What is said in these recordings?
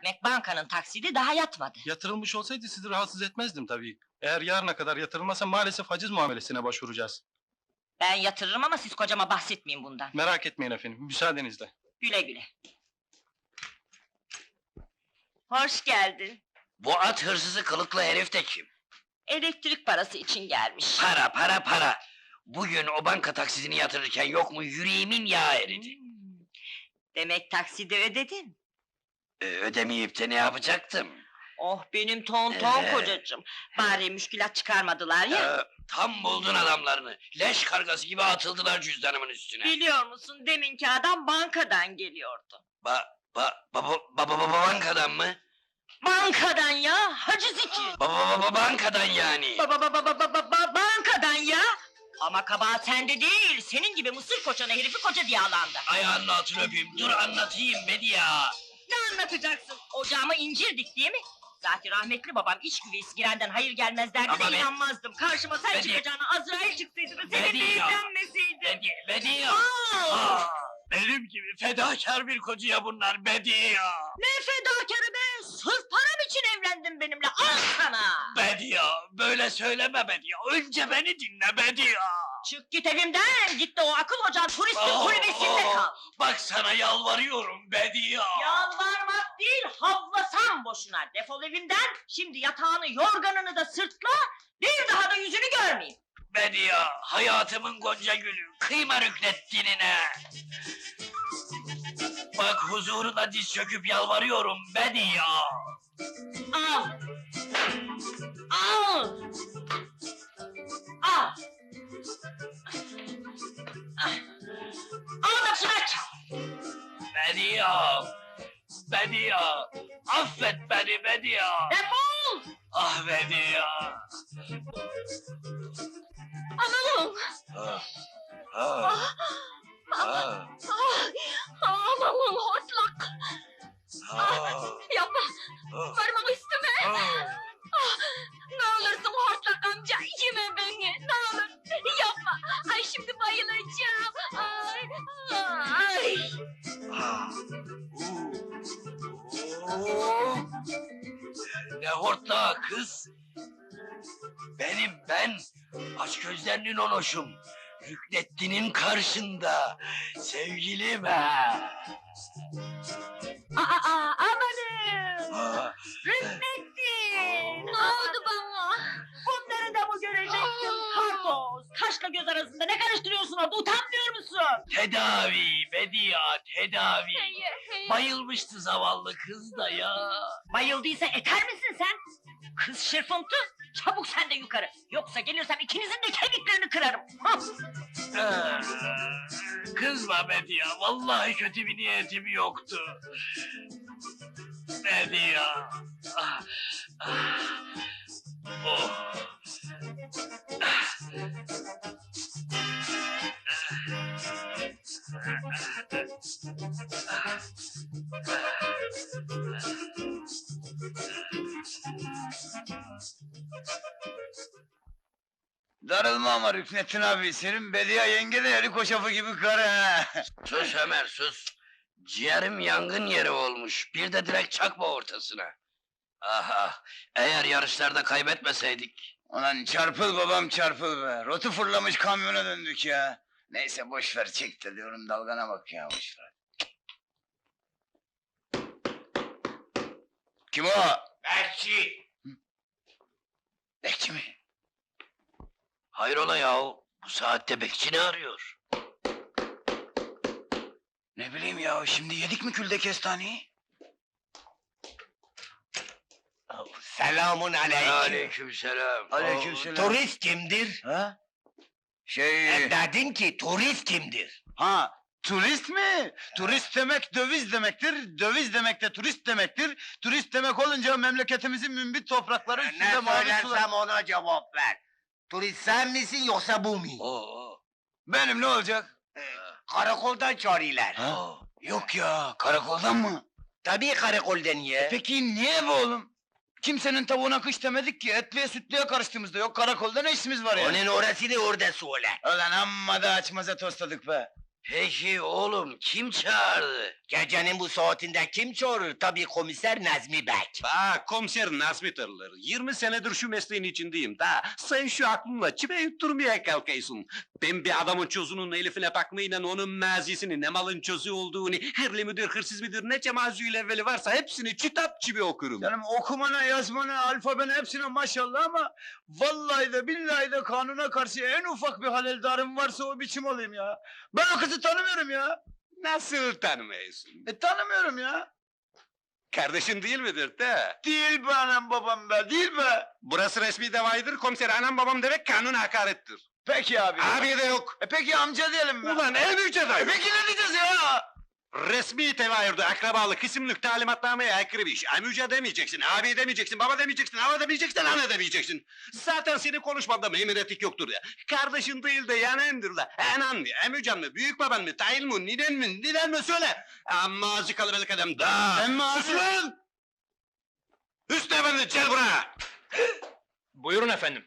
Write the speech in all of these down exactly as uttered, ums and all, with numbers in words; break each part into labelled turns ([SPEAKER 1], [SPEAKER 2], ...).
[SPEAKER 1] demek bankanın taksidi daha yatmadı.
[SPEAKER 2] Yatırılmış olsaydı sizi rahatsız etmezdim tabii. Eğer yarına kadar yatırılmazsa maalesef haciz muamelesine başvuracağız.
[SPEAKER 1] Ben yatırırım ama siz kocama bahsetmeyin bundan.
[SPEAKER 2] Merak etmeyin efendim, müsaadenizle.
[SPEAKER 1] Güle güle. Hoş geldin.
[SPEAKER 3] Bu at hırsızı kılıklı herif de kim?
[SPEAKER 1] Elektrik parası için gelmiş.
[SPEAKER 3] Para, para, para! Bugün o banka taksidini yatırırken yok mu yüreğimin yağı eridi.
[SPEAKER 1] Hmm. Demek taksidi ödedin.
[SPEAKER 3] Ee, ödemeyip de ne yapacaktım?
[SPEAKER 1] Oh benim ton ton
[SPEAKER 3] Ee.
[SPEAKER 1] kocacığım. Bari müşkülat çıkarmadılar ya.
[SPEAKER 3] Ee, tam buldun adamlarını. Leş kargası gibi atıldılar cüzdanımın üstüne.
[SPEAKER 1] Biliyor musun deminki adam bankadan geliyordu.
[SPEAKER 3] Ba, ba, ba, ba, ba, ba, ba- bankadan mı?
[SPEAKER 1] Bankadan ya, haciz için.
[SPEAKER 3] Ba, ba, ba, ba- bankadan yani.
[SPEAKER 1] Ba ba ba ba ba ba ba ba- bankadan ya. Ama kabahat sende değil, senin gibi mısır koçanı herifi koca diye alandı.
[SPEAKER 3] Ayağının altını öpeyim, dur anlatayım Bediye.
[SPEAKER 1] Ne anlatacaksın? Ocağıma incir dik değil mi? Zaten rahmetli babam iç güveysi girenden hayır gelmez derdi
[SPEAKER 3] Ama
[SPEAKER 1] de
[SPEAKER 3] ben-
[SPEAKER 1] inanmazdım. Karşıma sen
[SPEAKER 3] Bedi-
[SPEAKER 1] çıkacağına Azrail çıksaydı da seninle
[SPEAKER 3] Bedi ya.
[SPEAKER 1] evlenmeseydi.
[SPEAKER 3] Bediye, Bediye.
[SPEAKER 1] Aa!
[SPEAKER 3] Aa, benim gibi fedakar bir kocaya bunlar Bediye.
[SPEAKER 1] Ne fedakarı be! Sırf param için evlendin benimle, al sana!
[SPEAKER 3] Bediye, böyle söyleme Bediye. Önce beni dinle Bediye.
[SPEAKER 1] Çık git evimden, git de o akıl ocağın turistin
[SPEAKER 3] Aa,
[SPEAKER 1] kulübesinde
[SPEAKER 3] aa,
[SPEAKER 1] kal!
[SPEAKER 3] Bak sana yalvarıyorum Bediye.
[SPEAKER 1] Yalvarmak değil, havlasan boşuna! Defol evimden, şimdi yatağını, yorganını da sırtla, bir daha da yüzünü görmeyeyim!
[SPEAKER 3] Bediye, hayatımın gonca gülü, kıyma Rüknettin'ine. Bak huzuruna diz çöküp yalvarıyorum Bediye.
[SPEAKER 1] Al! Al! Al! Al da şuna çal!
[SPEAKER 3] Bediye, Bediye, affet beni Bediye.
[SPEAKER 1] Defol!
[SPEAKER 3] Ah Bediye.
[SPEAKER 1] Amanın!
[SPEAKER 3] Ah, ah, ah,
[SPEAKER 1] Amanın hortlak!
[SPEAKER 3] ah,
[SPEAKER 1] Yapma!
[SPEAKER 3] ah,
[SPEAKER 1] Varmak isteme!
[SPEAKER 3] ah.
[SPEAKER 1] Ne olursun hortlak amca, yeme beni! Ne olur! Yapma! Ay şimdi bayılacağım! Ay! Ay!
[SPEAKER 3] Ah, oo. Ne hortlağı kız? Benim ben, aç gözlerinin onoşum. Rüknettin'in karşında, sevgilim ha.
[SPEAKER 1] Aa, aa, amanın!
[SPEAKER 3] Ah,
[SPEAKER 1] Rüknettin! Ne oldu bana? Bunları da mı görecektin? Kartoz! Kaşla göz arasında ne karıştırıyorsun orada, utanmıyor musun?
[SPEAKER 3] tedavi, Bediye, tedavi. Bayılmıştı zavallı kız da ya.
[SPEAKER 1] Bayıldıysa eter misin sen? Kız şırfıntı, çabuk sen de yukarı. Yoksa gelirsem ikinizin de kemiklerini kırarım. Hah!
[SPEAKER 3] Ah, kızma Bediye, vallahi kötü bir niyetim yoktu. Bediye. Ah, ah, oh.
[SPEAKER 4] Darılma ama Rüknettin abi, senin Bediye yenge de yarı koşafı gibi karı ha.
[SPEAKER 3] Sus Ömer sus. Ciğerim yangın yeri olmuş. Bir de direkt çakma ortasına. Aha, eğer yarışlarda kaybetmeseydik.
[SPEAKER 4] Ulan çarpıl babam çarpıl be, rotu fırlamış kamyona döndük ya. Neyse boş ver, çek de diyorum, dalgana bak ya, boş ver. Kim o?
[SPEAKER 3] Bekçi!
[SPEAKER 4] Bekçi mi?
[SPEAKER 3] Hayrola yahu, bu saatte bekçi ne arıyor?
[SPEAKER 4] Ne bileyim ya, şimdi yedik mi külde kestaneyi?
[SPEAKER 5] Selamun aleyküm.
[SPEAKER 3] Aleykümselam.
[SPEAKER 4] Aleykümselam.
[SPEAKER 5] Turist kimdir?
[SPEAKER 4] Ha? Şey...
[SPEAKER 5] E, dedin ki turist kimdir?
[SPEAKER 4] Ha, turist mi? Turist demek döviz demektir, döviz demek de turist demektir. Turist demek olunca memleketimizin mümbit toprakları
[SPEAKER 5] Ne
[SPEAKER 4] üstünde mavi sular...
[SPEAKER 5] söylersem ona cevap ver. Turist sen misin yoksa bu mu?
[SPEAKER 3] Oo.
[SPEAKER 4] Benim ne olacak?
[SPEAKER 5] Karakoldan çağırıyorlar.
[SPEAKER 4] Ha? Yok ya, karakoldan mı?
[SPEAKER 5] Tabii karakoldan ya.
[SPEAKER 4] Peki niye bu oğlum? Kimsenin tavuğuna kış demedik ki, etliye sütlüye karıştığımızda yok, karakolda ne işimiz var ya?
[SPEAKER 5] Onun orasını orada söyle.
[SPEAKER 4] Ulan amma da açmaza tosladık be!
[SPEAKER 3] Peki oğlum kim çağırdı?
[SPEAKER 5] Gecenin bu saatinde kim çağırır? Tabii komiser Nazmi Bek.
[SPEAKER 6] Bak komiser Nazmi Tırılır. yirmi senedir şu mesleğin içindeyim da sen şu aklınla çipe yutturmaya kalkıyorsun. Ben bir adamın çözünün elifine bakmayla onun mazisini, ne malın çözü olduğunu, herli midir, hırsız mıdır, ne cemazüyle evveli varsa hepsini kitap gibi okurum.
[SPEAKER 4] Canım okumana, yazmana, alfabene hepsine maşallah ama vallahi de billahi de kanuna karşı en ufak bir haleldarım varsa o biçim olayım ya. Ben o kızı tanımıyorum ya.
[SPEAKER 6] Nasıl tanımıyorsun?
[SPEAKER 4] E tanımıyorum ya.
[SPEAKER 6] Kardeşin değil midir de?
[SPEAKER 4] Değil be anam babam be, değil be.
[SPEAKER 6] Burası resmi davaydır, komiser anam babam demek kanun hakarettir.
[SPEAKER 4] Peki abi.
[SPEAKER 6] Abi de yok.
[SPEAKER 4] E peki amca diyelim mi?
[SPEAKER 6] Ulan en yüce dayı.
[SPEAKER 4] E peki ne diyeceğiz ya?
[SPEAKER 6] Resmi tevayürde akrabalık, isimlik talimatnameye aykırı bir iş. Amca demeyeceksin, abi demeyeceksin, baba demeyeceksin, ana demeyeceksin, ana demeyeceksin. Zaten senin konuşmanda mühim etik yoktur ya. Kardeşin değil de yanendir da. Anan mı, amcan mı, büyük baban mı, tayin mi, ninen mi, ninen mi söyle. Amma azı kalabalık adam da.
[SPEAKER 4] Emmi
[SPEAKER 6] Sus
[SPEAKER 4] abi.
[SPEAKER 6] lan! Hüsnü efendi gel buraya.
[SPEAKER 2] Buyurun efendim.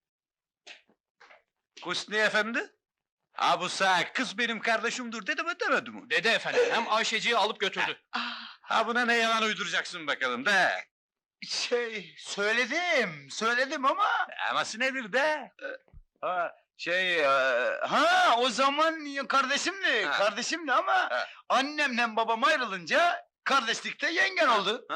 [SPEAKER 6] Hüsnü efendi? Ha bu sağ kız benim kardeşimdir dedi mi demedi mi?
[SPEAKER 2] Dede efendim, hem Ayşeci'yi alıp götürdü.
[SPEAKER 6] Ha buna ne yalan uyduracaksın bakalım de.
[SPEAKER 4] Şey, söyledim, söyledim ama...
[SPEAKER 6] Aması nedir de?
[SPEAKER 4] Ha, şey, e, ha o zaman ya kardeşimdi,
[SPEAKER 6] Ha.
[SPEAKER 4] kardeşimdi ama...
[SPEAKER 6] Ha.
[SPEAKER 4] Annemle babam ayrılınca kardeşlikte yengen oldu.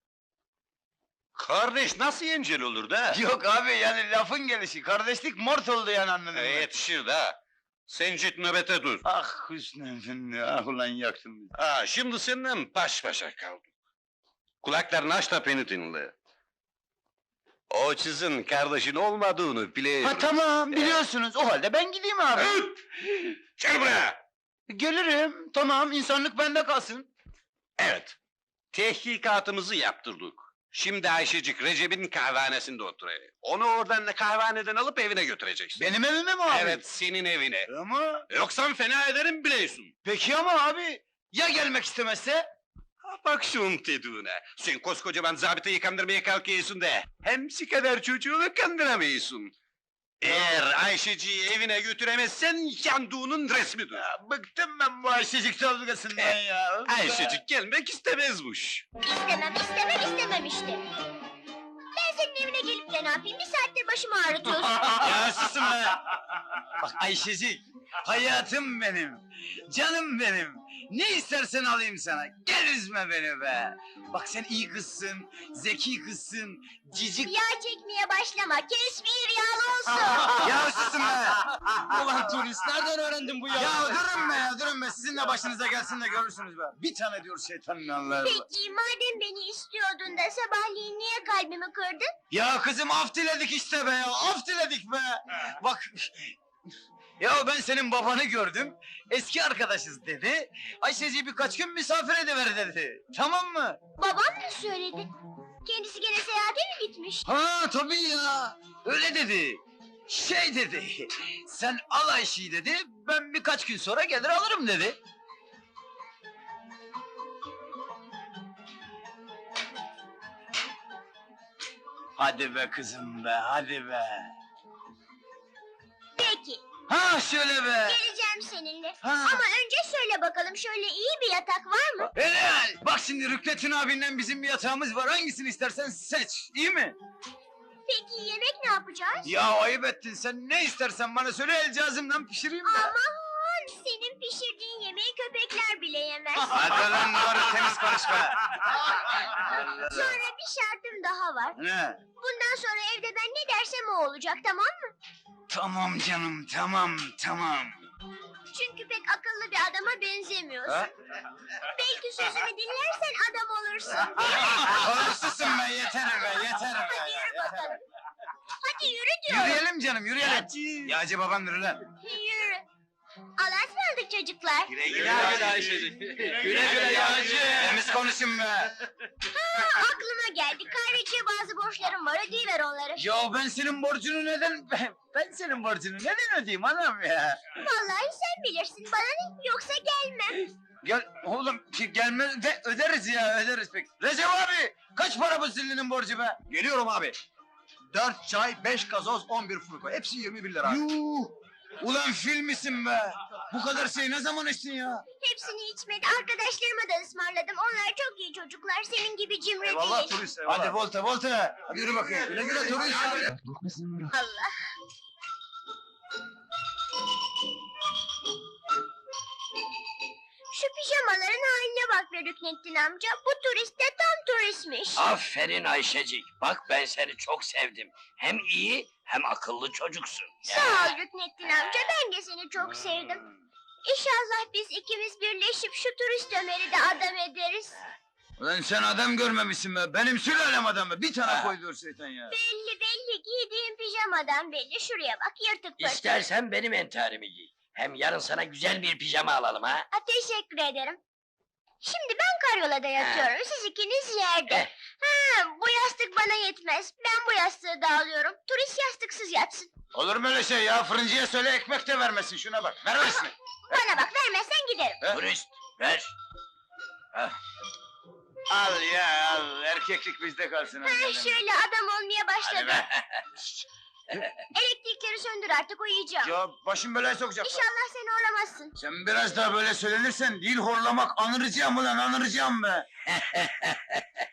[SPEAKER 6] Kardeş nasıl yencel olur da?
[SPEAKER 4] Yok abi yani lafın gelişi, kardeşlik mort oldu yani anladın
[SPEAKER 6] E,
[SPEAKER 4] mı?
[SPEAKER 6] yetişir de. Sen git nöbete dur.
[SPEAKER 4] Ah Hüsnü efendi, ah ulan yaktın bizi.
[SPEAKER 6] Ha, şimdi seninle baş başa kaldık. Kulaklarını aç da beni dinle. O kızın kardeşin olmadığını biliyorum.
[SPEAKER 4] Ha tamam, biliyorsunuz, o halde ben gideyim abi.
[SPEAKER 6] Öt! Gel buraya!
[SPEAKER 4] Gelirim, tamam, insanlık bende kalsın.
[SPEAKER 6] Evet. Tehkikatımızı yaptırdık. Şimdi Ayşecik Recep'in kahvehanesinde oturuyor. Onu oradan da kahvehaneden alıp evine götüreceksin.
[SPEAKER 4] Benim evime mi abi?
[SPEAKER 6] Evet, senin evine.
[SPEAKER 4] Ama,
[SPEAKER 6] Yoksa fena ederim biliyorsun.
[SPEAKER 4] peki ama abi, ya gelmek istemezse?
[SPEAKER 6] Ha, bak şunun dediğine. Sen koskocaman zabıtayı kandırmaya kalkıyorsun da... ...hemsi kadar çocuğunu kandıramıyorsun. Eğer Ayşeci'yi evine götüremezsen yandığının resmidir.
[SPEAKER 4] Ya, bıktım ben bu Ayşecik dalgasından ya.
[SPEAKER 6] Ayşecik gelmek istemezmiş.
[SPEAKER 7] İstemem, istemem, istemem işte. Ben senin evine gelip de ne yapayım? Bir saattir başımı ağrıtıyorsun.
[SPEAKER 4] Ya susun be! Bak Ayşecik, hayatım benim, canım benim. Ne istersen alayım sana, gel üzme beni be! Bak sen iyi kızsın, zeki kızsın, cicik...
[SPEAKER 7] Yağ çekmeye başlama, kes bir yağlı olsun.
[SPEAKER 4] Ya susun be! Ulan turist, nereden öğrendin bu ya? Ya durun be, durun be, sizin de başınıza gelsin de görürsünüz be. Bir tane diyor şeytanın Allah'ı.
[SPEAKER 7] Peki, madem beni istiyordun da sabahleyin niye kalbimi kırdın?
[SPEAKER 4] Ya kızım af diledik işte be ya, af diledik be! Bak... Ya ben senin babanı gördüm, eski arkadaşız dedi. Ayşeciği birkaç gün misafir ediver dedi. Tamam mı?
[SPEAKER 7] Babam mı söyledi? Kendisi gene seyahate mi gitmiş?
[SPEAKER 4] Ha tabii ya, öyle dedi. Şey dedi, sen al Ayşe'yi dedi, ben birkaç gün sonra gelir alırım dedi. Hadi be kızım be, hadi be.
[SPEAKER 7] Peki,
[SPEAKER 4] Ha şöyle be.
[SPEAKER 7] geleceğim seninle.
[SPEAKER 4] Ha.
[SPEAKER 7] Ama önce söyle bakalım, şöyle iyi bir yatak var mı?
[SPEAKER 4] Helal! Bak şimdi Rüknettin abinden bizim bir yatağımız var, hangisini istersen seç, iyi mi?
[SPEAKER 7] Peki yemek ne yapacağız?
[SPEAKER 4] Ya ayıp ettin, sen ne istersen bana söyle, el cihazımdan pişireyim ben.
[SPEAKER 7] Aman, senin pişirdiğin yemeği köpekler bile yemez.
[SPEAKER 4] Hadi lan doğru, temiz konuşma.
[SPEAKER 7] Sonra bir şartım daha var.
[SPEAKER 4] Ne?
[SPEAKER 7] Bundan sonra evde ben ne dersem o olacak, tamam mı?
[SPEAKER 4] Tamam canım, tamam, tamam.
[SPEAKER 7] Çünkü pek akıllı bir adama benzemiyorsun.
[SPEAKER 4] Ha?
[SPEAKER 7] Belki sözümü dinlersen adam olursun.
[SPEAKER 4] Konuşsun be, yeter be, yeter be.
[SPEAKER 7] Hadi yürü bakalım. Hadi yürü diyorum.
[SPEAKER 4] Yürüyelim canım, yürüyelim. Yağcı babandır lan.
[SPEAKER 7] Yürü. Allah'a ısmarladık çocuklar.
[SPEAKER 6] Güle güle Ayşecik. Güle güle Yağcı.
[SPEAKER 4] Temiz konuşun be.
[SPEAKER 7] Ha, aklıma geldi. Kahveciye bazı borçlarım var. Ödeyiver onları.
[SPEAKER 4] Ya ben senin borcunu neden... Ben senin borcunu neden ödeyeyim anam ya?
[SPEAKER 7] Vallahi sen bilirsin. Bana ne? Yoksa gelmem.
[SPEAKER 4] Gel oğlum, gelmez de öderiz ya, öderiz pek. Recep abi, kaç para bu zillinin borcu be?
[SPEAKER 2] Geliyorum abi. Dört çay, beş gazoz, on bir furko. Hepsi yirmi bir lira.
[SPEAKER 4] Yuh! Ulan fil misin be? Bu kadar şey ne zaman içtin ya?
[SPEAKER 7] Hepsini içmedi. Arkadaşlarıma da ısmarladım. Onlar çok iyi çocuklar. Senin gibi cimri değil.
[SPEAKER 2] turist
[SPEAKER 4] Hadi volta volta. Hadi yürü bakayım. Güle güle turist.
[SPEAKER 7] Allah. Şu pijamaların haline bak be Rüknettin amca. Bu turist de tam turistmiş.
[SPEAKER 3] Aferin Ayşecik. Bak ben seni çok sevdim. Hem iyi hem akıllı çocuksun.
[SPEAKER 7] Sağ ol Rüknettin amca. Ben de seni çok sevdim. İnşallah biz ikimiz birleşip şu turist Ömer'i de adam ederiz.
[SPEAKER 4] Ulan sen adam görmemişsin be. Benim sülalem adamı. Bir tane koydur şeytan ya.
[SPEAKER 7] Belli belli. Giydiğin pijamadan belli. Şuraya bak yırtık pırtık.
[SPEAKER 3] İstersen benim entarimi giy. Hem yarın sana güzel bir pijama alalım ha.
[SPEAKER 7] Ha, teşekkür ederim. Şimdi ben karyolada yatıyorum. Siz ikiniz yerde.
[SPEAKER 3] Eh.
[SPEAKER 7] Ha, bu yastık bana yetmez. Ben bu yastığı da alıyorum. Turist yastıksız yatsın.
[SPEAKER 4] Olur mu öyle şey ya? Fırıncıya söyle ekmek de vermesin. Şuna bak. Vermesin.
[SPEAKER 7] Bana bak vermezsen giderim.
[SPEAKER 4] He?
[SPEAKER 3] Turist ver.
[SPEAKER 4] Al ya al. Erkeklik bizde kalsın.
[SPEAKER 7] Ha, şöyle adam olmaya
[SPEAKER 3] Hadi
[SPEAKER 7] başladım.
[SPEAKER 3] be.
[SPEAKER 7] Elektrikleri söndür artık uyuyacağım.
[SPEAKER 4] Ya başım belaya sokacak.
[SPEAKER 7] İnşallah seni horlamazsın.
[SPEAKER 4] Sen biraz daha böyle söylenirsen değil horlamak anıracağım ulan anıracağım be.